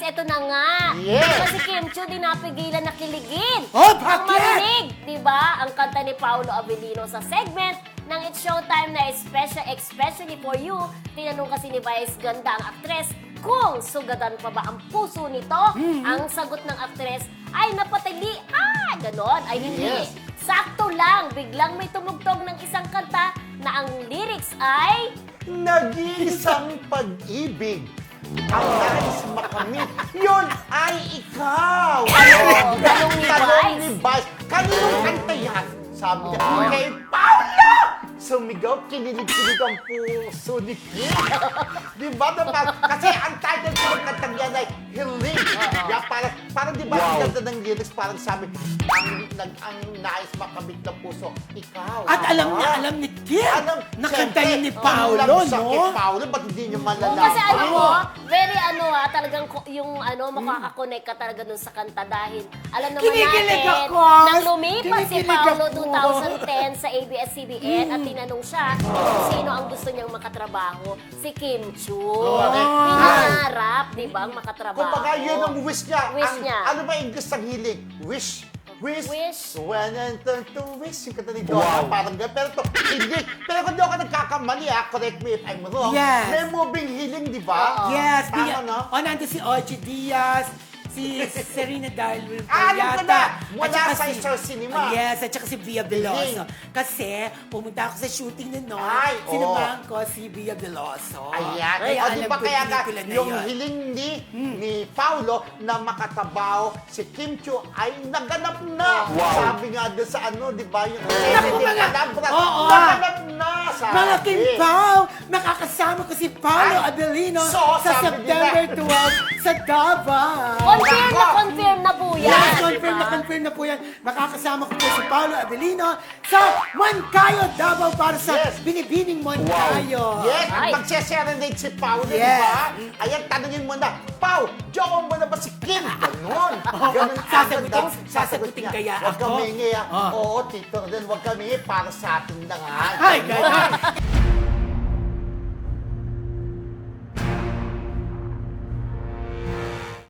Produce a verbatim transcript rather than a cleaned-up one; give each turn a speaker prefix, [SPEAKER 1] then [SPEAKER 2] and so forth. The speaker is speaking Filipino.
[SPEAKER 1] eto na nga.
[SPEAKER 2] Yes.
[SPEAKER 1] Kasi Kim Chiu di napigilan na kiligin.
[SPEAKER 3] Oh,
[SPEAKER 1] Ang
[SPEAKER 3] bakit?
[SPEAKER 1] marinig, di ba? Ang kanta ni Paolo Avellino sa segment ng It's Showtime na Special Especially for You. Tinanong kasi ni Vice Ganda ang aktres kung sugadan pa ba ang puso nito.
[SPEAKER 3] Mm-hmm.
[SPEAKER 1] Ang sagot ng aktres ay napatali. Ah, ganon. Ay hindi.
[SPEAKER 2] Yes.
[SPEAKER 1] Sakto lang, biglang may tumugtog ng isang kanta na ang lyrics ay...
[SPEAKER 2] Nag-iisang pag-ibig. Ang nais makamit, yun ay ikaw!
[SPEAKER 1] Oo, tanong ni
[SPEAKER 2] Tanong
[SPEAKER 1] Vice.
[SPEAKER 2] ni Vice. Kaninong kanta yan? Sabi niya, kay Paula! Sumigaw, kinilig-kilig ang puso ni Kim. Di ba naman? Kasi ang title ko ng kantang yan ay Hiling. Yeah, parang, parang di ba ang ganda ng lyrics, parang sabi, ang, nag, ang nais makamit ng puso, ikaw.
[SPEAKER 3] At alam niya,
[SPEAKER 2] Ah.
[SPEAKER 3] alam ni Kim,
[SPEAKER 2] Alam,
[SPEAKER 3] nakanta
[SPEAKER 2] syempre,
[SPEAKER 3] yun ni
[SPEAKER 2] ang
[SPEAKER 3] Paolo,
[SPEAKER 2] love sa
[SPEAKER 3] no?
[SPEAKER 2] kay Paolo, ba't hindi niyo
[SPEAKER 1] Oo,
[SPEAKER 2] malalaman?
[SPEAKER 1] kasi ano mo, very ano ah, talagang ko- yung ano, makakakonect ka talaga dun sa kanta dahil alam naman
[SPEAKER 3] Kinikilig
[SPEAKER 1] natin,
[SPEAKER 3] ako.
[SPEAKER 1] nang lumipas si
[SPEAKER 3] Kinikilig
[SPEAKER 1] Paolo
[SPEAKER 3] ako.
[SPEAKER 1] twenty ten sa A B S C B N at tinanong siya kung sino ang gusto niyang makatrabaho, si Kim Chiu. Pinangarap, di ba, ang makatrabaho.
[SPEAKER 2] Kumbaga, yun ang wish niya.
[SPEAKER 1] Wish
[SPEAKER 2] ang,
[SPEAKER 1] niya.
[SPEAKER 2] Ano ba yung English ng hiling? Wish. Wish.
[SPEAKER 1] Wish.
[SPEAKER 2] When I turn to wish. Yung kata ni Donna, parang gano'n. Pero to, hindi. Pero kung di ako nagkakamali, ah, correct me if I'm wrong.
[SPEAKER 3] Yes.
[SPEAKER 2] May moving hiling, di ba?
[SPEAKER 3] Yes,
[SPEAKER 2] Tama,
[SPEAKER 3] Bia,
[SPEAKER 2] no?
[SPEAKER 3] o nandun si Ogie Diaz, si Serena Darwin
[SPEAKER 2] Ah, alam ko na. Mula
[SPEAKER 3] at saka
[SPEAKER 2] sa
[SPEAKER 3] si-
[SPEAKER 2] Star Cinema.
[SPEAKER 3] Oh, yes, at saka si Bia Veloso.
[SPEAKER 2] Hiling.
[SPEAKER 3] Kasi pumunta ako sa shooting nun, no?
[SPEAKER 2] Ay, oo.
[SPEAKER 3] Sinamahan ko si Bia Veloso.
[SPEAKER 2] Ayan.
[SPEAKER 3] Kaya
[SPEAKER 2] o, di
[SPEAKER 3] alam
[SPEAKER 2] ba
[SPEAKER 3] ko
[SPEAKER 2] kaya
[SPEAKER 3] yung
[SPEAKER 2] nga,
[SPEAKER 3] pelikula na
[SPEAKER 2] yung
[SPEAKER 3] yun.
[SPEAKER 2] hiling ni, ni Paulo na makatabaho si Kim Chiu ay naganap na. Sabi nga doon sa ano, di ba, yung
[SPEAKER 3] Naku,
[SPEAKER 2] Kennedy
[SPEAKER 3] mga-
[SPEAKER 2] Calabra,
[SPEAKER 3] Oo.
[SPEAKER 2] naganap na, sabi.
[SPEAKER 3] Mga Kim Pao, makakasama ko si Paolo
[SPEAKER 2] Ay,
[SPEAKER 3] Avellino
[SPEAKER 2] so,
[SPEAKER 3] sa
[SPEAKER 2] sabi
[SPEAKER 3] September
[SPEAKER 2] nila.
[SPEAKER 3] twelve sa Davao.
[SPEAKER 1] Confirm na
[SPEAKER 2] Nako.
[SPEAKER 1] confirm na po yan.
[SPEAKER 3] Yes,
[SPEAKER 1] di
[SPEAKER 3] confirm
[SPEAKER 1] ba?
[SPEAKER 3] na confirm na po yan. Makakasama ko po si Paolo Avellino sa Moncayo, Davao para sa
[SPEAKER 2] Yes.
[SPEAKER 3] Binibining Moncayo.
[SPEAKER 2] Yes,
[SPEAKER 1] Ay.
[SPEAKER 2] at magse-serenade si Pao, di
[SPEAKER 3] Yes.
[SPEAKER 2] ba? Ayan, tanungin mo na, Pao, jowa mo na ba si Kim? Ganon. Ganon
[SPEAKER 3] Sasagutin-
[SPEAKER 2] agad, ah.
[SPEAKER 3] sasagutin
[SPEAKER 2] niya.
[SPEAKER 3] kaya
[SPEAKER 2] Huwag
[SPEAKER 3] ako?
[SPEAKER 2] kami hingi, ah.
[SPEAKER 3] Ah.
[SPEAKER 2] Oo, Tito Rodel, huwag kami para sa atin lang, ha?
[SPEAKER 3] Ay, ganyan.